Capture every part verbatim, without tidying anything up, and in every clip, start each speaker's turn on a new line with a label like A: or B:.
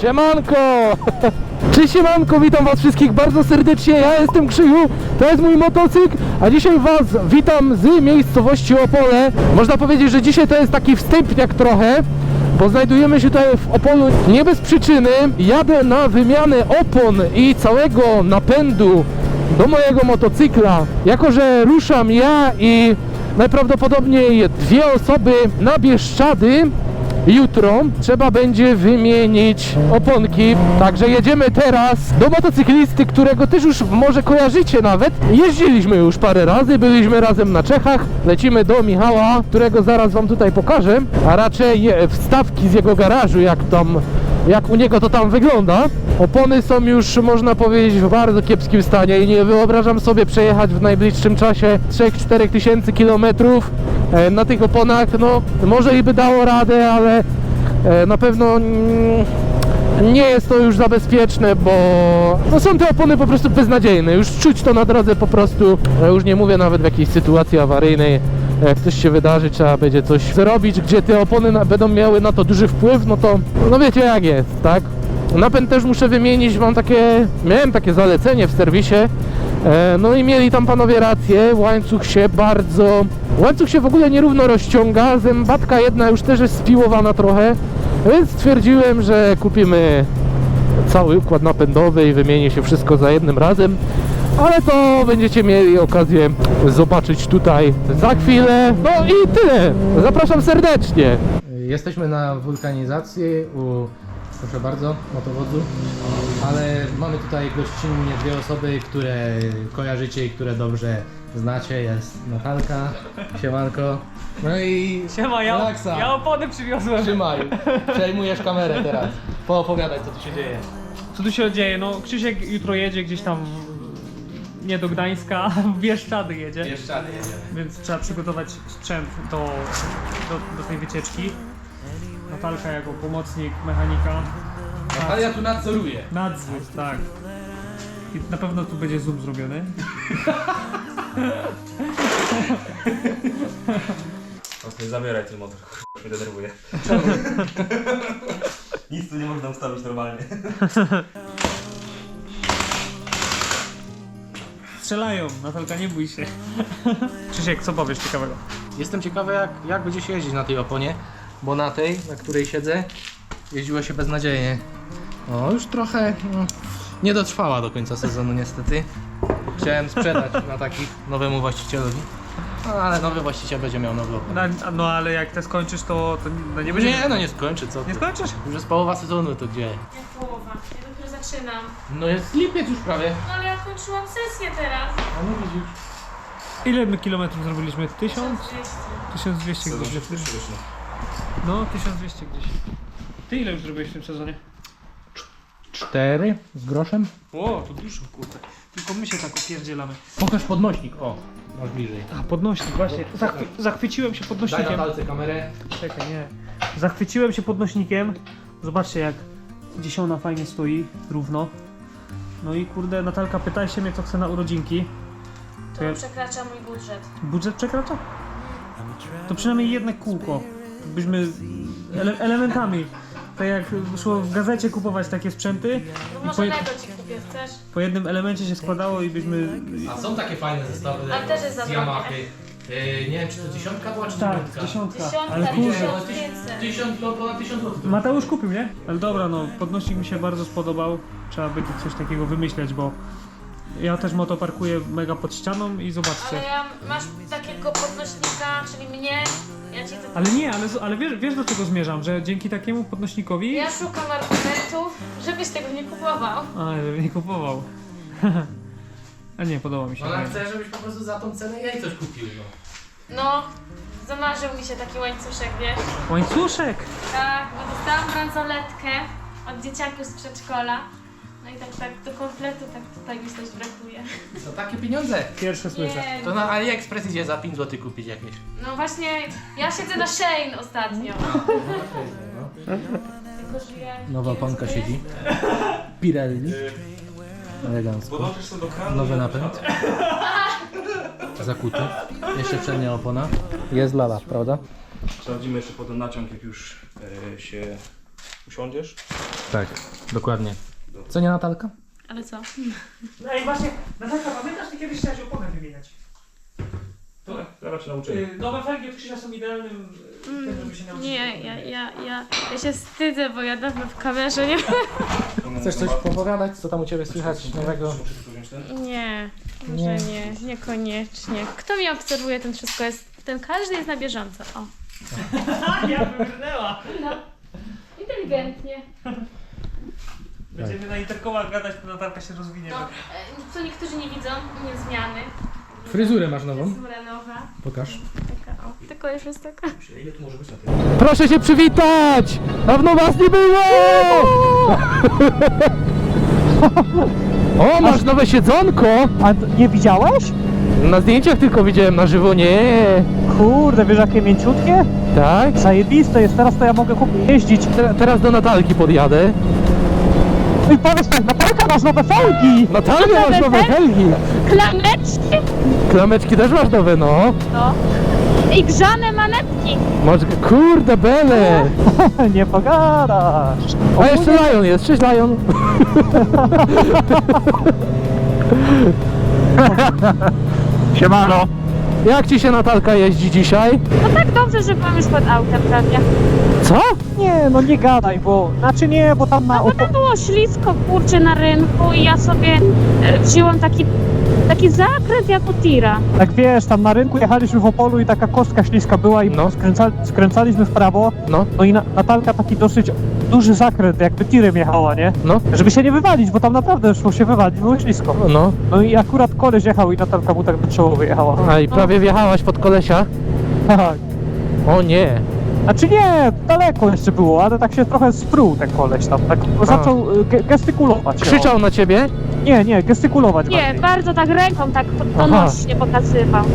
A: Siemanko! Cześć siemanko, witam was wszystkich bardzo serdecznie, ja jestem Krzyju, to jest mój motocykl, a dzisiaj was witam z miejscowości Opole. Można powiedzieć, że dzisiaj to jest taki wstępniak trochę, bo znajdujemy się tutaj w Opolu nie bez przyczyny. Jadę na wymianę opon i całego napędu do mojego motocykla, jako że ruszam ja i najprawdopodobniej dwie osoby na Bieszczady. Jutro trzeba będzie wymienić oponki, także jedziemy teraz do motocyklisty, którego też już może kojarzycie nawet. Jeździliśmy już parę razy, byliśmy razem na Czechach. Lecimy do Michała, którego zaraz wam tutaj pokażę, a raczej wstawki z jego garażu, jak tam, jak u niego to tam wygląda. Opony są już, można powiedzieć, w bardzo kiepskim stanie i nie wyobrażam sobie przejechać w najbliższym czasie trzy do czterech tysięcy kilometrów na tych oponach. No może i by dało radę, ale na pewno nie jest to już za bezpieczne, bo no są te opony po prostu beznadziejne. Już czuć to na drodze po prostu. Już nie mówię nawet w jakiejś sytuacji awaryjnej. Jak coś się wydarzy, trzeba będzie coś zrobić, gdzie te opony na, będą miały na to duży wpływ, no to no wiecie jak jest, tak? Napęd też muszę wymienić, mam takie, miałem takie zalecenie w serwisie, e, no i mieli tam panowie rację, łańcuch się bardzo, łańcuch się w ogóle nierówno rozciąga, zębatka jedna już też jest spiłowana trochę, więc stwierdziłem, że kupimy cały układ napędowy i wymieni się wszystko za jednym razem, ale to będziecie mieli okazję zobaczyć tutaj za chwilę. No i tyle, zapraszam serdecznie. Jesteśmy na wulkanizacji u, proszę bardzo, motowodzu, ale mamy tutaj gościnnie dwie osoby, które kojarzycie i które dobrze znacie. Jest Natalka, siemanko, no i
B: Siema, ja,
A: Relaksa.
B: ja opony przywiozłem.
A: Trzymaj, przejmujesz kamerę teraz, poopowiadaj co tu się dzieje.
B: Co tu się dzieje? No Krzysiek jutro jedzie gdzieś tam w, nie do Gdańska, w Bieszczady jedzie.
A: Bieszczady jedziemy.
B: Więc trzeba przygotować sprzęt do, do, do tej wycieczki. Natalka jako pomocnik mechanika.
A: Natalia tu nadzoruje.
B: Nadzór, tak. I na pewno tu będzie zoom zrobiony.
C: Nie zabieraj ten motor, już mnie denerwuje. Nic tu nie można ustawić normalnie.
B: Strzelają, Natalka, nie bój się. Krzysiek, co powiesz ciekawego?
A: Jestem ciekawy jak, jak będzie się jeździć na tej oponie, bo na tej, na której siedzę, jeździło się beznadziejnie. O, już trochę no, nie dotrwała do końca sezonu niestety. Chciałem sprzedać na takich nowemu właścicielowi, no, ale nowy właściciel będzie miał nowy opon.
B: No, no ale jak te skończysz, to, to no nie będzie...
A: Nie, no nie skończy, co ty.
B: Nie skończysz?
A: Już jest połowa sezonu, to gdzie?
D: Jak połowa? Ja dopiero zaczynam.
A: No jest lipiec już prawie.
D: No ale ja kończyłam sesję teraz.
A: A no widzisz.
B: Ile my kilometrów zrobiliśmy? Tysiąc?
D: dwieście.
B: tysiąc dwieście
C: Sezon
B: gdzieś.
C: się wyszło.
B: No, tysiąc dwieście gdzieś. Ty ile już zrobiłeś w tym sezonie?
A: Cztery z groszem.
B: O, to dużo, kurde. Tylko my się tak opierdzielamy.
A: Pokaż podnośnik, o, masz bliżej.
B: A, podnośnik, właśnie. Zachwy zachwyciłem się
A: Daj
B: podnośnikiem.
A: Natalce kamerę.
B: Czekaj, nie. Zachwyciłem się podnośnikiem. Zobaczcie jak gdzieś ona fajnie stoi, równo. No i kurde, Natalka, pytaj się mnie, co chce na urodzinki. To
D: To
B: ja...
D: przekracza mój budżet.
B: Budżet przekracza? To przynajmniej jedno kółko. Byśmy ele elementami. Tak jak szło w gazecie kupować takie sprzęty
D: No
B: i
D: może
B: po,
D: Lego ci kupię, chcesz?
B: po jednym elemencie się składało i byśmy...
A: A są takie fajne zestawy
D: Ale też jest
A: z
D: zabrane.
A: Yamahy. Yy, nie wiem, czy to dziesiątka była, czy
B: Tak,
A: dziewiątka?
B: dziesiątka.
D: Dziesiątka,
B: Ale kurde,
D: tysiąc pięćset.
A: Tysiąc, no ponad tysiąc złotych.
B: Mateusz kupił, nie? Ale dobra, no podnośnik mi się bardzo spodobał. Trzeba będzie coś takiego wymyśleć, bo ja też moto parkuję mega pod ścianą i zobaczcie.
D: Ale ja, masz takiego podnośnika, czyli mnie, ja ci to...
B: Ale nie, ale, ale wiesz, wiesz do czego zmierzam, że dzięki takiemu podnośnikowi...
D: Ja szukam argumentów, żebyś tego nie kupował.
B: A, żebym nie kupował. A nie, podoba mi się.
A: Ona chce, żebyś po prostu za tą cenę jej coś kupił, no.
D: No, zamarzył mi się taki łańcuszek, wiesz?
B: Łańcuszek!
D: Tak, bo dostałam bransoletkę od dzieciaków z przedszkola. No i tak, tak do kompletu tak tutaj mi coś brakuje.
A: To takie pieniądze.
B: Pierwsze słyszę.
D: Nie,
A: To na AliExpress idzie za pięć złotych kupić jakieś.
D: no właśnie, ja siedzę na Shein ostatnio. Tylko, że ja
A: Nowa
D: nie wiem,
A: panka
D: co to
A: siedzi.
D: jest.
A: Pirelli. Elegancko.
C: Podłączysz sobie do kranu.
A: Nowy napęd. Zakuty. Jeszcze przednia opona. Jest lala, prawda?
C: Sprawdzimy jeszcze potem naciąg, jak już e, się usiądziesz.
A: Tak, dokładnie. Co nie, Natalka?
D: Ale co?
B: No i właśnie, Natalka, pamiętasz, ty kiedyś chciałaś oponę wymieniać?
C: To zaraz się nauczymy.
B: Y, Nowe felgi od Krzysia są idealnym y, tym, żeby się nauczyć.
D: Nie, ja, ja, ja, ja się wstydzę, bo ja dawno w kamerze nie
A: Chcesz coś popowiadać? Co tam u Ciebie słychać nowego?
D: Nie, może
A: Nie.
D: nie, niekoniecznie. Kto mnie obserwuje, ten wszystko jest, ten każdy jest na bieżąco. O.
B: Ja wybrnęła!
D: No. Inteligentnie.
B: Będziemy na interkomach gadać, to Natalka się rozwinie.
D: No, e, co niektórzy nie widzą, nie zmiany.
A: Fryzurę masz nową?
D: Fryzura nowa.
A: Pokaż.
D: Taka, o, tylko już jest taka.
C: Ile tu może być na tym?
A: Proszę się przywitać! Dawno was nie było! O, masz nowe siedzonko!
E: A t- nie widziałeś?
A: Na zdjęciach tylko widziałem, na żywo nie.
E: Kurde, wiesz jakie mięciutkie?
A: Tak?
E: Zajebiste jest, teraz to ja mogę kupić jeździć.
A: Te- teraz do Natalki podjadę.
E: I powiedz tak, Natalka, masz nowe felgi!
A: Natalka, masz nowe helgi!
D: Klameczki!
A: Klameczki też masz nowe, no.
D: No. I grzane manetki.
A: Masz, kurde, bele!
E: Nie pogadasz.
A: A jeszcze Lion jest, cześć Lion.
E: Siemano.
A: Jak ci się Natalka jeździ dzisiaj?
D: No tak dobrze, że byłam już pod autem prawie.
A: Co?
E: Nie, no nie gadaj, bo... Znaczy nie, bo tam na...
D: No bo tam było ślisko, kurczę, na rynku i ja sobie e, wzięłam taki, taki zakręt jak u tira.
E: Tak wiesz, tam na rynku jechaliśmy w Opolu i taka kostka śliska była i
A: No.
E: skręca, skręcaliśmy w prawo.
A: No,
E: No i na, Natalka taki dosyć duży zakręt, jakby tirem jechała, nie?
A: no,
E: Żeby się nie wywalić, bo tam naprawdę szło się wywalić, było ślisko.
A: no.
E: No i akurat koleś jechał i Natalka mu tak do czoło wyjechała.
A: A i prawie wjechałaś pod kolesia?
E: Tak.
A: O nie.
E: Znaczy nie, daleko jeszcze było, ale tak się trochę spruł ten koleś tam, tak zaczął y, ge gestykulować.
A: Krzyczał na ciebie?
E: O. Nie, nie, gestykulować
D: Nie,
E: bardziej.
D: bardzo tak ręką tak to-
A: Aha.
D: donośnie pokazywał.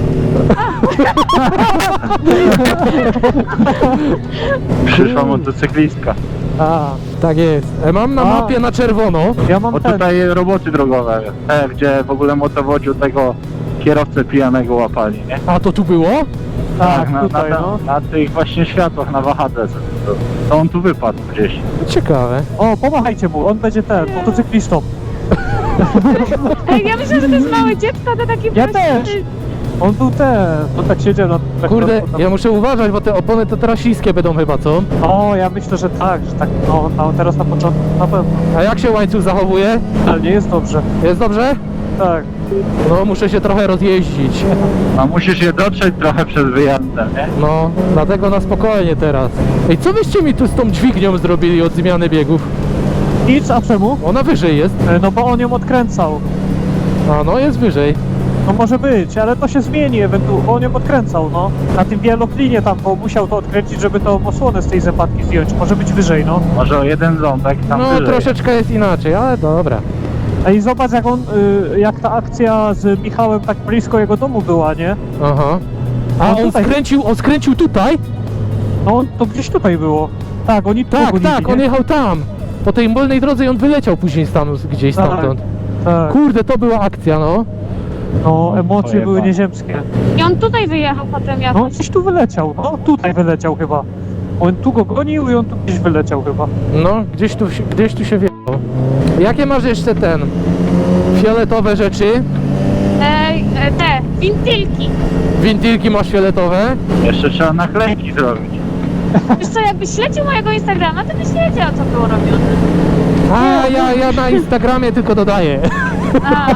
F: Przyszła motocyklistka.
E: A,
A: Tak jest. E, Mam na
E: A.
A: mapie na czerwono.
E: ja mam
F: Bo
E: ten,
F: tutaj roboty drogowe, te, gdzie w ogóle motowodziu tego kierowcę pijanego łapali, nie?
A: A to tu było?
E: tak,
F: na,
E: tutaj
F: na,
E: no.
F: na tych właśnie światłach na wahadle. To, to on tu wypadł gdzieś.
A: Ciekawe.
E: O, pomachajcie mu, on będzie ten, motocyklistą.
D: Ej, ja myślę, że to jest małe dziecko, to taki
E: Ja
D: prosty-
E: też. On tu ten, on tak siedział na... Tak
A: Kurde,
E: na-
A: ja muszę uważać, bo te opony to teraz śliskie będą chyba, co?
E: O, ja myślę, że tak, że tak, no, no teraz na początku na pewno.
A: A jak się łańcuch zachowuje?
E: Ale nie jest dobrze.
A: Jest dobrze?
E: Tak.
A: No, muszę się trochę rozjeździć.
F: A musisz je dotrzeć trochę przed wyjazdem, nie?
A: No, dlatego na spokojnie teraz. Ej, co wyście mi tu z tą dźwignią zrobili od zmiany biegów?
E: Nic, a czemu?
A: Ona wyżej jest.
E: E, No bo on ją odkręcał.
A: A no, jest wyżej.
E: No może być, ale to się zmieni ewentualnie, bo on ją odkręcał, no. Na tym wieloklinie tam, bo musiał to odkręcić, żeby tą osłonę z tej zębatki zdjąć. Może być wyżej, no.
F: Może o jeden ząbek tam
A: No,
F: wyżej.
A: troszeczkę jest inaczej, ale dobra.
E: Ej, zobacz jak on, y, jak ta akcja z Michałem tak blisko jego domu była, nie?
A: Aha. A
E: No
A: on
E: tutaj-
A: skręcił, on skręcił tutaj?
E: No on, to gdzieś tutaj było. Tak, oni tu
A: Tak,
E: gonili,
A: tak, on
E: nie?
A: jechał tam. Po tej wolnej drodze i on wyleciał później stanu gdzieś
E: Tak.
A: stamtąd.
E: Tak,
A: Kurde, to była akcja, no.
E: no emocje
F: Ojej,
E: były
F: pan.
E: nieziemskie.
D: I on tutaj wyjechał potem
E: No
D: jakoś.
E: gdzieś tu wyleciał, no tutaj wyleciał chyba. On tu go gonił i on tu gdzieś wyleciał chyba.
A: No, gdzieś tu, się- gdzieś tu się wjechał. Jakie masz jeszcze ten? Fioletowe rzeczy?
D: Ej, e, te, wintylki.
A: Wintylki masz fioletowe?
F: Jeszcze trzeba naklejki zrobić.
D: Wiesz co, jakbyś śledził mojego Instagrama, to byś wiedział, co było robione.
A: A, ja, ja na Instagramie tylko dodaję.
D: A,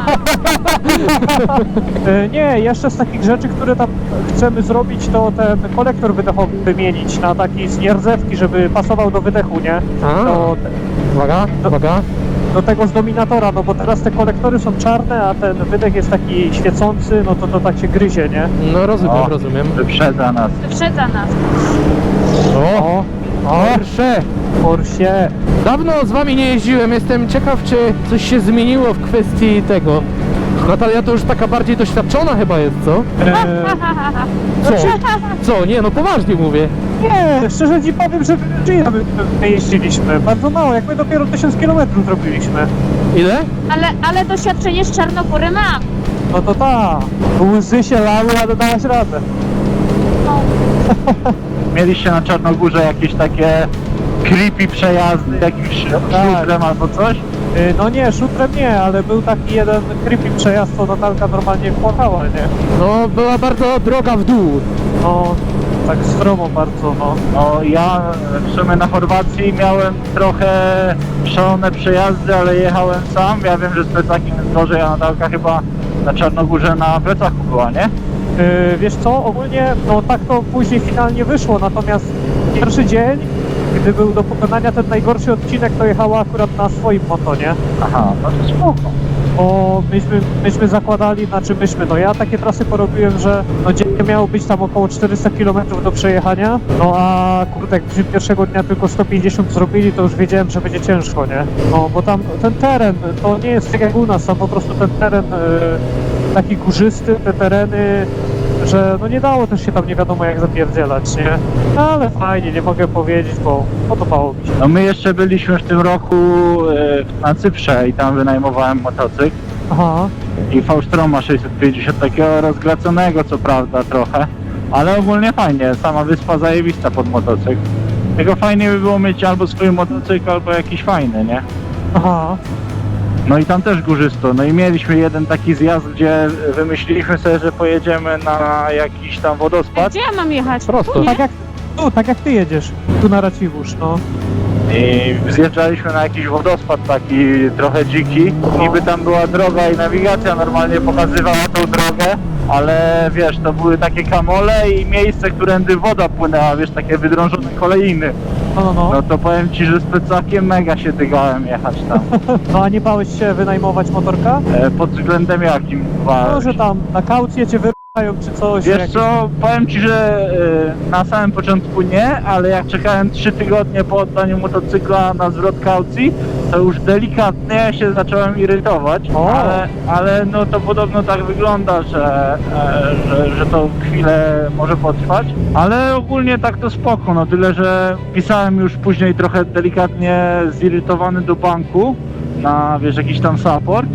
E: E, nie, jeszcze z takich rzeczy, które tam chcemy zrobić, to ten kolektor wydechowy wymienić na taki z nierdzewki, żeby pasował do wydechu, nie?
A: A,
E: Do,
A: uwaga, uwaga.
E: do tego z Dominatora, no bo teraz te kolektory są czarne, a ten wydech jest taki świecący, no to to tak się gryzie, nie?
A: No rozumiem,
F: O.
A: rozumiem.
F: Wyprzedza nas.
D: wyprzedza nas.
A: O, Porsche.
E: Porsie.
A: Dawno z wami nie jeździłem, jestem ciekaw, czy coś się zmieniło w kwestii tego. Natalia to już taka bardziej doświadczona chyba jest, co?
E: E,
A: Co? Co? Nie, no poważnie mówię.
E: nie, szczerze ci powiem, że G my, my jeździliśmy. Bardzo mało, jak my dopiero tysiąc kilometrów zrobiliśmy.
A: Ile?
D: Ale, ale doświadczenie z Czarnogóry mam.
E: No to ta. Łzy się lały, ale dałaś radę.
D: No,
F: Mieliście na Czarnogórze jakieś takie creepy przejazdy, jakimś szutrem albo coś?
E: Y, No nie, szutrem nie, ale był taki jeden creepy przejazd, co Natalka normalnie płakała, nie?
A: No, była bardzo droga w dół.
E: No, tak stromo bardzo, no.
F: No ja w sumie na Chorwacji miałem trochę szalone przejazdy, ale jechałem sam. Ja wiem, że z plecakiem jest gorzej, a Natalka chyba na Czarnogórze na plecaku była, nie?
E: Yy, wiesz co, ogólnie, no tak to później finalnie wyszło, natomiast pierwszy dzień, gdy był do pokonania ten najgorszy odcinek, to jechała akurat na swoim motonie.
F: Aha, no to spoko.
E: Bo myśmy, myśmy zakładali, znaczy myśmy, no ja takie trasy porobiłem, że no dziennie miało być tam około czterysta kilometrów do przejechania, no a kurde, jak byśmy pierwszego dnia tylko sto pięćdziesiąt zrobili, to już wiedziałem, że będzie ciężko, nie? No bo tam ten teren, to nie jest tak jak u nas, tam po prostu ten teren yy, taki górzysty, te tereny, że no nie dało też się tam nie wiadomo jak zapierdzielać, nie? No, ale fajnie, nie mogę powiedzieć, bo podobało mi się.
F: No my jeszcze byliśmy w tym roku e, na Cyprze i tam wynajmowałem motocykl.
E: Aha.
F: I V-Stroma sześćset pięćdziesiąt, takiego rozglaconego co prawda trochę, ale ogólnie fajnie, sama wyspa zajebista pod motocykl. Tylko fajnie by było mieć albo swój motocykl, albo jakiś fajny, nie?
E: Aha.
F: No i tam też górzysto, no i mieliśmy jeden taki zjazd, gdzie wymyśliliśmy sobie, że pojedziemy na jakiś tam wodospad.
D: Gdzie ja mam jechać?
A: Prosto.
D: Tu, nie?
E: Tak jak, tu, tak jak ty jedziesz, tu na Raciwórz, no.
F: I zjeżdżaliśmy na jakiś wodospad taki trochę dziki. Niby tam była droga i nawigacja normalnie pokazywała tą drogę, ale wiesz, to były takie kamole i miejsce, którędy woda płynęła, wiesz, takie wydrążone kolejny.
E: No, no, no.
F: No to powiem ci, że z plecakiem mega się dygałem jechać tam.
E: No a nie bałeś się wynajmować motorka?
F: E, pod względem jakim?
E: No, że tam na kaucję cię wyrywają czy coś.
F: Wiesz
E: jakieś-
F: co, powiem ci, że e, na samym początku nie, ale jak czekałem trzy tygodnie po oddaniu motocykla na zwrot kaucji, to już delikatnie się zacząłem irytować,
E: O.
F: ale, ale no to podobno tak wygląda, że, e, że, że to chwilę może potrwać, ale ogólnie tak to spoko, no tyle, że pisałem już później trochę delikatnie zirytowany do banku na, wiesz, jakiś tam support,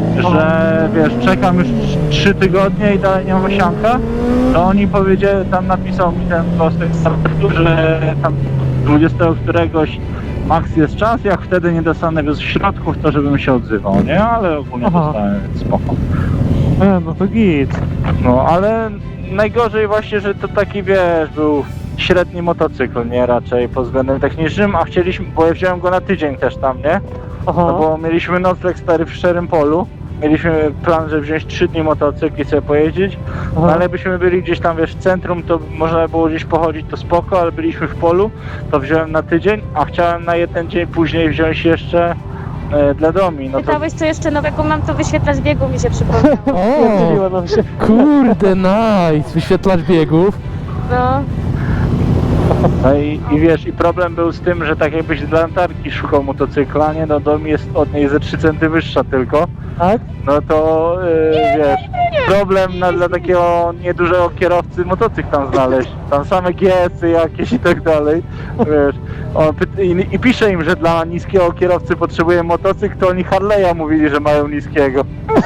F: że wiesz, czekam już trzy tygodnie i dalej nie mam osianka, to oni powiedzieli, tam napisał mi ten prostek z że tam dwudziestego któregoś max jest czas, jak wtedy nie dostanę z środków, to żebym się odzywał, nie? Ale ogólnie
E: Aha.
F: dostałem, więc spoko.
E: E, no to git.
F: No, ale najgorzej właśnie, że to taki, wiesz, był średni motocykl, nie? Raczej pod względem technicznym, a chcieliśmy, bo ja wziąłem go na tydzień też tam, nie?
E: Aha.
F: No bo mieliśmy nocleg stary w szczerym polu. Mieliśmy plan, żeby wziąć trzy dni motocykl i sobie pojeździć.
E: Aha.
F: No ale byśmy byli gdzieś tam, wiesz, w centrum, to można było gdzieś pochodzić, to spoko, ale byliśmy w polu, to wziąłem na tydzień, a chciałem na jeden dzień później wziąć jeszcze e, dla domi. No to
D: Pytałeś, co jeszcze nowego mam, to wyświetlacz biegu mi się przypomniał.
A: O,
E: Pierdzieliło nam się.
A: kurde, nice. Wyświetlacz biegów.
D: No.
F: no i, i wiesz, i problem był z tym, że tak jakbyś dla latarki szukał motocykla, nie? No dom jest od niej ze trzy centymetry wyższa tylko.
E: Tak?
F: No to e, wiesz, problem na, dla takiego niedużego kierowcy motocykl tam znaleźć. Tam same G S y jakieś i tak dalej. Wiesz, on pyta, i, i pisze im, że dla niskiego kierowcy potrzebuje motocykl, to oni Harley'a mówili, że mają niskiego.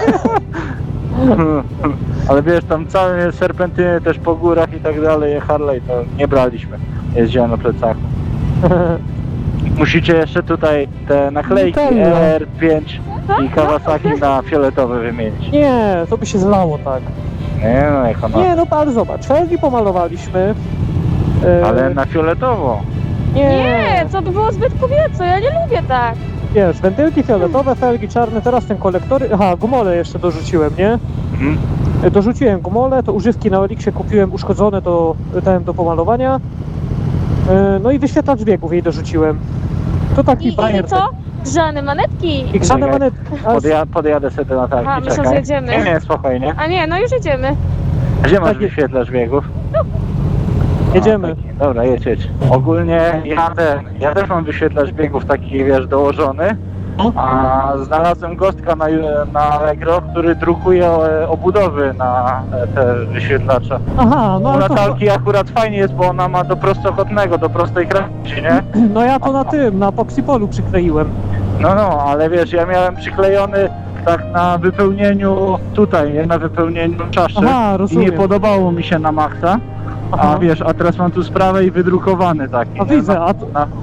F: Ale wiesz, tam całe serpentyny też po górach i tak dalej, Harley to nie braliśmy. Jeździłem na plecaku. Musicie jeszcze tutaj te naklejki
A: Nutella.
F: R pięć i Kawasaki na fioletowe wymienić.
E: Nie, to by się zlało tak.
F: Nie no, jak ona...
E: Nie, no ale zobacz, felgi pomalowaliśmy. E,
F: Ale na fioletowo.
E: Nie,
D: Nie, to by było zbyt kobieco, ja nie lubię tak.
E: wiesz, wentylki fioletowe, felgi czarne, teraz ten kolektory, aha, gumole jeszcze dorzuciłem, nie?
F: Mhm.
E: E, Dorzuciłem gumole, to używki na Elixie kupiłem uszkodzone, to dałem do pomalowania. E, No i wyświetlacz biegów jej dorzuciłem. To taki
D: I, i
E: bajer.
D: co? Grzane manetki.
E: I grzane
F: Czekaj.
E: manetki. A,
F: Podja podjadę sobie do Natalki,
D: Aha, myślę,
F: czekaj.
D: że jedziemy.
F: Nie, nie, spokojnie.
D: A nie, no już jedziemy.
F: Gdzie masz
E: Tak jest.
F: wyświetlacz biegów?
E: Jedziemy.
F: A, taki. Dobra, jedź, jedź. Ogólnie ja, ten, ja też mam wyświetlacz biegów taki, wiesz, dołożony. A znalazłem gostka na, na Allegro, który drukuje e, obudowy na e, te wyświetlacze.
E: Aha, no
F: U
E: ale to,
F: Natalki akurat fajnie jest, bo ona ma do prostokątnego, do prostej krawędzi, nie?
E: no ja to na tym, na Poxipolu przykleiłem.
F: No, no, ale wiesz, ja miałem przyklejony tak na wypełnieniu tutaj, nie? Na wypełnieniu czaszy.
E: Aha,
F: I
E: rozumiem.
F: nie podobało mi się na maksa.
E: Aha.
F: A wiesz, a teraz mam tu sprawę i wydrukowany taki.
E: A
F: nie?
E: widzę,
F: Na,
E: a to-
F: na,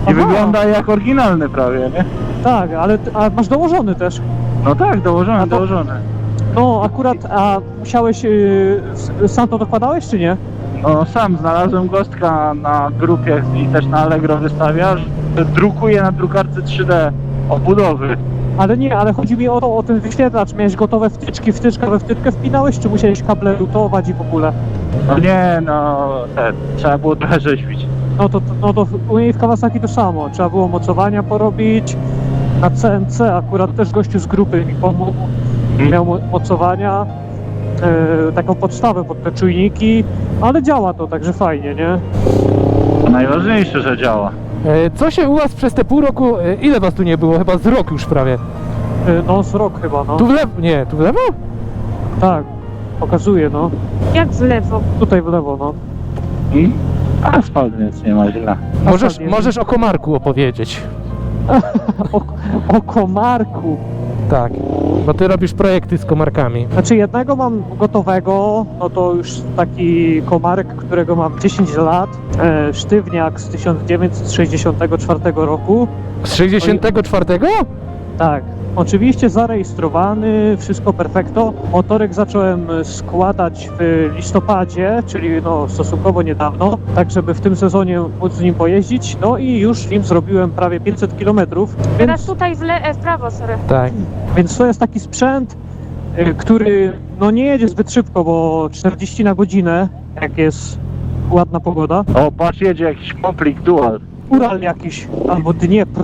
F: I
E: Aha.
F: wygląda jak oryginalny prawie, nie?
E: Tak, ale ty- a masz dołożony też.
F: No tak, dołożony,
E: A to-
F: dołożony.
E: No akurat, a musiałeś, yy, s- sam to dokładałeś czy nie?
F: No sam znalazłem gostka na grupie i też na Allegro wystawia, że drukuje na drukarce trzy D obudowy.
E: Ale nie, ale chodzi mi o to, o ten wyświetlacz. Miałeś gotowe wtyczki, wtyczka we wtyczkę wpinałeś, czy musiałeś kable rutować i w ogóle?
F: No nie, no ten, trzeba było trochę rzeźbić.
E: No to, no to u niej w Kawasaki to samo. Trzeba było mocowania porobić. Na C N C akurat też gościu z grupy mi pomógł. Miał mo- mocowania, e, taką podstawę pod te czujniki, ale działa to, także fajnie, nie?
F: Najważniejsze, że działa.
A: E, Co się u was przez te pół roku, e, ile was tu nie było? Chyba z rok już prawie.
E: E, no z rok chyba, no.
A: Tu w lewo, nie, tu w lewo?
E: Tak, pokazuje, no.
D: Jak w lewo?
E: Tutaj w lewo, no.
F: I asfalt, więc nie ma źle.
A: Możesz,
E: nie-
A: możesz o komarku opowiedzieć.
E: O, o komarku.
A: Tak, bo ty robisz projekty z komarkami.
E: Znaczy jednego mam gotowego, no to już taki komarek, którego mam dziesięć lat, e, sztywniak z tysiąc dziewięćset sześćdziesiątego czwartego roku.
A: Z sześćdziesiątego czwartego?
E: Tak, oczywiście zarejestrowany, wszystko perfekto. Motorek zacząłem składać w listopadzie, czyli no stosunkowo niedawno, tak żeby w tym sezonie móc z nim pojeździć. No i już nim zrobiłem prawie pięćset kilometrów,
D: Teraz
E: więc,
D: tutaj w, le- e, w prawo, sorry.
A: Tak.
E: więc to jest taki sprzęt, y, który no nie jedzie zbyt szybko, bo czterdzieści na godzinę, jak jest ładna pogoda.
F: O, patrz, jedzie jakiś komplik dual.
E: Ural jakiś, albo Dniepr.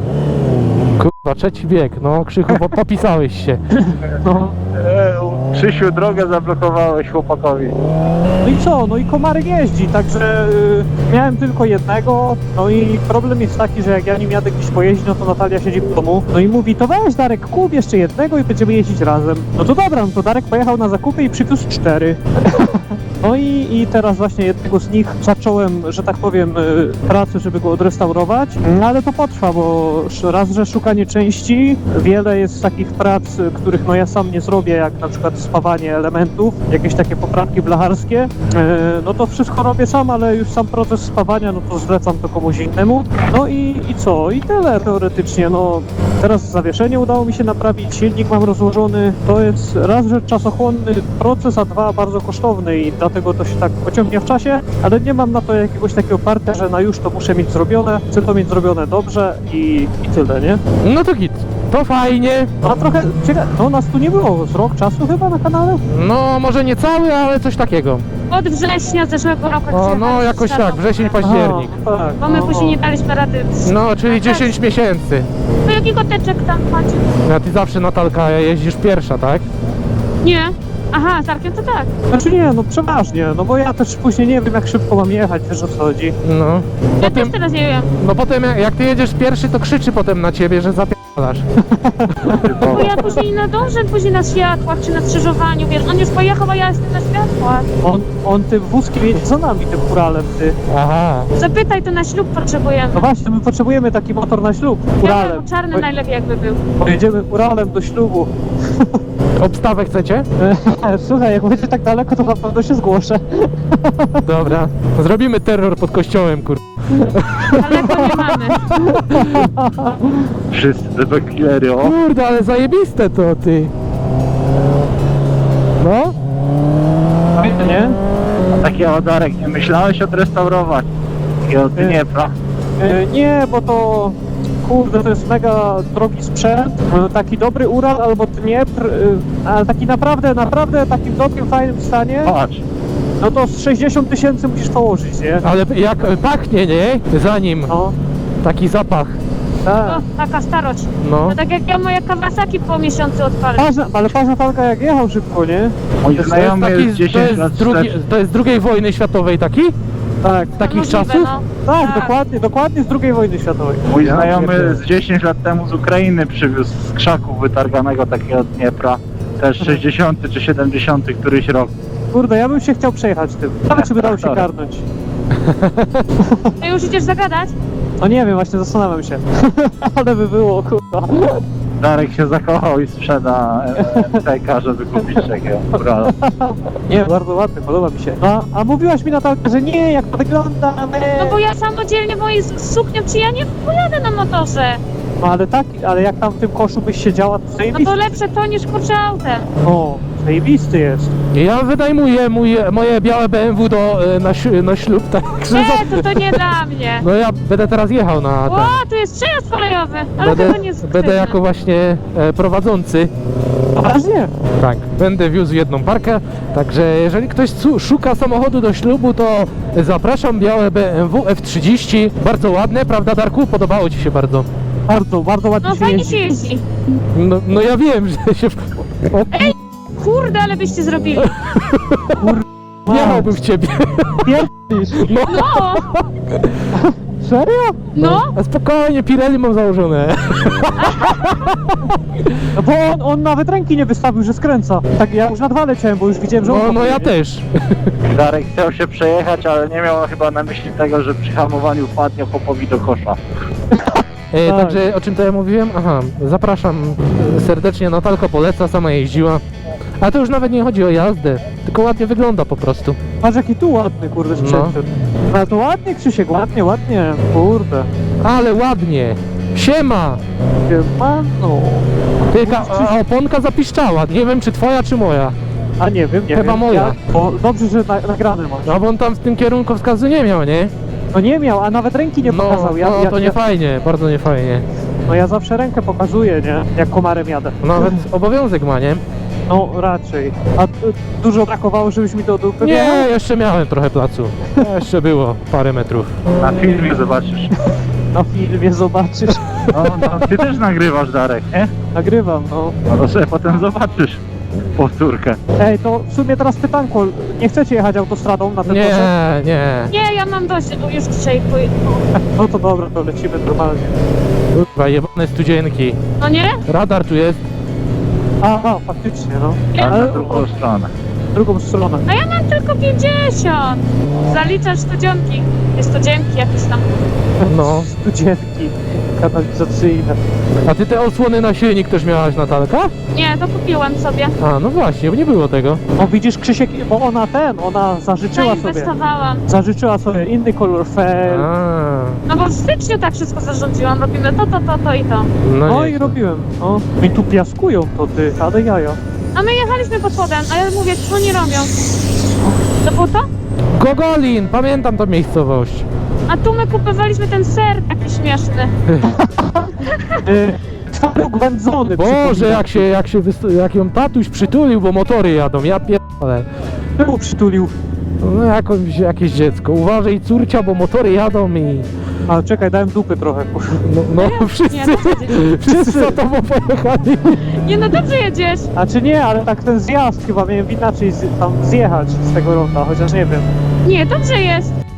A: Kurwa, trzeci bieg, no Krzychu, bo popisałeś się.
E: No.
F: E, Krzysiu, drogę zablokowałeś chłopakowi.
E: No i co? No i komarek jeździ, także y, miałem tylko jednego, no i problem jest taki, że jak ja nim jadę gdzieś pojeździć, no to Natalia siedzi w domu, no i mówi, to weź Darek, kup jeszcze jednego i będziemy jeździć razem. No to dobra, no to Darek pojechał na zakupy i przywiózł cztery. No i, i teraz właśnie jednego z nich zacząłem, że tak powiem, y, pracę, żeby go odrestaurować, no ale to potrwa, bo sz- raz, że szukanie części, wiele jest takich prac, y, których no ja sam nie zrobię, jak na przykład spawanie elementów, jakieś takie poprawki blacharskie, y, no to wszystko robię sam, ale już sam proces spawania, no to zlecam to komuś innemu. No i, i co? I tyle teoretycznie, no teraz zawieszenie udało mi się naprawić, silnik mam rozłożony, to jest raz, że czasochłonny proces, a dwa bardzo kosztowny i dlatego to się tak pociągnie w czasie, ale nie mam na to jakiegoś takiego partia, że na już to muszę mieć zrobione, chcę to mieć zrobione dobrze i, i tyle, nie?
A: No to git, to fajnie.
E: A trochę ciekawe, no nas tu nie było z rok czasu chyba na kanale?
A: No może nie cały, ale coś takiego.
D: Od września zeszłego roku. jak
A: O, no
D: przyjechaliśmy
A: jakoś
D: z
A: tak,
D: tatą.
A: wrzesień, październik.
E: Aha, tak,
D: Bo my
E: no,
D: później nie
E: no.
D: daliśmy rady.
A: No, czyli dziesięć miesięcy.
D: To jakiego teczek tam macie?
A: A ty zawsze, Natalka, jeździsz pierwsza, tak?
D: Nie. Aha, z Arkiem to tak.
E: Znaczy nie, no przeważnie, no bo ja też później nie wiem jak szybko mam jechać, wiesz o co chodzi.
A: No.
D: Ja
A: Potem,
D: też teraz nie wiem.
A: no potem jak, jak ty jedziesz pierwszy, to krzyczy potem na ciebie, że zapierdalasz.
D: Bo ja później nie nadążę, później na światłach czy na skrzyżowaniu, wiesz, on już pojechał, a ja jestem na światłach.
E: On, on tym wózkiem jedzie za nami, tym Uralem, ty.
A: Aha.
D: Zapytaj, to na ślub potrzebujemy.
E: No właśnie, my potrzebujemy taki motor na ślub, Uralem.
D: Biały, czarny
E: Bo-
D: najlepiej jakby był.
E: Pojedziemy Uralem do ślubu.
A: Obstawę chcecie?
E: Słuchaj, jak będzie tak daleko, to na pewno się zgłoszę.
A: Dobra. Zrobimy terror pod kościołem, kur...
D: Daleko nie mamy.
F: Wszyscy te backkillery, o.
A: Kurde, ale zajebiste to, ty. No?
E: Fajne, nie?
F: Takie odarek, nie myślałeś odrestaurować? Takiego Dniepra.
E: E, nie, bo to... Kurde, to jest mega drogi sprzęt. E, Taki dobry Ural albo Dniepr, e, ale taki naprawdę, naprawdę takim dobrym, fajnym stanie,
F: Patrz,
E: no to z sześćdziesiąt tysięcy musisz położyć, nie?
A: Ale jak pachnie, nie? Zanim.
E: No,
A: Taki zapach.
E: tak.
D: O, taka starość.
A: No.
D: No tak jak ja moje Kawasaki po miesiącu odpalę.
E: Patrz, na- ale patrz Natalka jak jechał szybko, nie?
F: mój
A: To jest,
F: znajomy
A: taki,
F: jest
A: to,
F: dziesięć lat
A: jest drugi,
F: wstecz.
A: to jest z drugiej wojny światowej taki?
E: Tak,
A: Takich
D: Możliwe,
A: czasów?
D: no.
E: tak, dokładnie, dokładnie z drugiej wojny światowej.
F: Mój
A: Ja
F: znajomy
A: pierdzielę.
F: z dziesięć lat temu z Ukrainy przywiózł z krzaków wytarganego takiego Dniepra. Też sześćdziesiąty czy siedemdziesiąty któryś rok.
E: Kurde, ja bym się chciał przejechać tym. Ale czy by dało się
F: Traktorem.
E: karnąć?
D: Ty już idziesz zagadać?
E: No nie wiem, właśnie zastanawiam się. Ale by było, kurwa.
F: Darek się zakochał i sprzeda M T K, żeby kupić takiego Urala.
E: Nie, bardzo ładny, podoba mi się. A, a mówiłaś mi Natalka, że nie, jak to wygląda,
D: No bo ja samodzielnie mojej z suknią, czy ja nie pojadę na motorze.
E: No ale tak, ale jak tam w tym koszu byś siedziała, to
D: No
E: zajebisty.
D: to lepsze to niż kurczę autem.
E: O, zajebisty jest.
A: Ja wynajmuję mój, moje białe B M W do, e, na, ś- na ślub, także...
D: Nie, to to nie dla mnie.
A: No ja będę teraz jechał na ten.
D: O, tu jest przejazd kolejowy, ale
A: Będę,
D: chyba nie jest
A: będę
D: sztywny.
A: jako właśnie e, prowadzący.
E: Poważnie?
A: Tak, będę wiózł jedną parkę, także jeżeli ktoś su- szuka samochodu do ślubu, to zapraszam, białe B M W F trzydzieści, bardzo ładne, prawda Darku? Podobało Ci się bardzo.
E: Bardzo, bardzo ładnie
D: No
E: się
D: fajnie
E: jeździ.
D: się jeździ.
A: No, no ja wiem, że się... W... O,
D: Kurde, ale byście zrobili.
A: wjechałbym w Ciebie.
E: Pierdolisz.
A: No,
D: No,
E: Serio?
D: no.
A: a spokojnie, Pirelli mam założone.
E: No bo on, on nawet ręki nie wystawił, że skręca. Tak, ja już na dwa leciałem, bo już widziałem, że on
A: No, no ja
E: kopie, nie?
A: też.
F: Darek chciał się przejechać, ale nie miał chyba na myśli tego, że przy hamowaniu wpadnie chłopowi do kosza.
A: E,
E: Tak.
A: także o czym to ja mówiłem? Aha, zapraszam e, serdecznie, Natalko poleca, sama jeździła. A to już nawet nie chodzi o jazdę, tylko ładnie wygląda po prostu.
E: Patrz jaki tu ładny, kurde, sprzęt. No. Ale to ładnie, Krzysiek, ładnie, ładnie. Kurde.
A: Ale ładnie. Siema!
E: Siemano.
A: Ty, a, a oponka zapiszczała, nie wiem czy twoja czy moja.
E: A nie wiem, nie
A: Chyba
E: wiem.
A: moja.
E: Ja, bo dobrze, że na, nagrane masz.
A: No bo on tam w tym kierunku wskazu nie miał, nie?
E: No nie miał, a nawet ręki nie
A: No,
E: pokazał. Ja,
A: no
E: ja,
A: to nie
E: ja,
A: fajnie, bardzo nie fajnie.
E: no ja zawsze rękę pokazuję, nie? Jak komarem jadę.
A: Nawet obowiązek ma, nie?
E: No raczej. A y, dużo brakowało, żebyś mi to dupy
A: Nie,
E: wjechał?
A: jeszcze miałem trochę placu. Jeszcze było parę metrów.
F: Na filmie zobaczysz.
E: Na filmie zobaczysz.
F: No, no, ty też nagrywasz, Darek, nie?
E: Nagrywam, no.
F: No to sobie potem zobaczysz powtórkę.
E: Ej, to w sumie teraz pytanko. Nie chcecie jechać autostradą na ten
A: Nie,
E: proces?
A: nie.
D: Nie, ja mam dość, już dzisiaj pój-
E: No to dobra, to lecimy normalnie.
A: Kurwa, jebane studzienki.
D: No nie?
A: Radar tu jest.
E: A, a faktycznie, no.
F: A na
E: Ale
F: drugą stronę.
E: w drugą stronę.
D: A ja mam tylko pięćdziesiąt. Zaliczasz studzienki. Jest studzienki jakieś tam.
A: No.
E: Studzienki kanalizacyjne.
A: A ty te osłony na silnik też miałaś, Natalka?
D: Nie, to kupiłam sobie.
A: A, no właśnie, bo nie było tego.
E: No widzisz Krzysiek, bo ona ten, ona zażyczyła sobie.
D: Zainwestowałam.
E: Zażyczyła sobie inny kolor fel.
A: A,
D: No bo w styczniu tak wszystko zarządziłam. Robimy to, to, to, to i to.
A: no,
E: No
A: nie.
E: i robiłem. No. I tu piaskują to ty, ale jaja.
D: A my jechaliśmy pod spodem, a ja mówię, co oni robią? To było to?
A: Gogolin, pamiętam tą miejscowość.
D: A tu my kupowaliśmy ten ser taki śmieszny.
E: Y, Twaróg wędzony.
A: Boże,
E: przypomina.
A: jak się, jak się, wyst- jak ją tatuś przytulił, bo motory jadą, ja pierdolę.
E: Czemu przytulił?
A: No jakąś, jakieś dziecko. Uważaj córcia, bo motory jadą i...
E: A czekaj, dałem dupy trochę.
A: No, no wszyscy,
D: Nie, dobrze jedziesz.
A: wszyscy za tobą pojechali.
D: Nie no, dobrze jedziesz.
E: A czy nie, ale tak ten zjazd chyba miałem inaczej z, tam zjechać z tego ronda, chociaż nie wiem.
D: Nie, dobrze jest.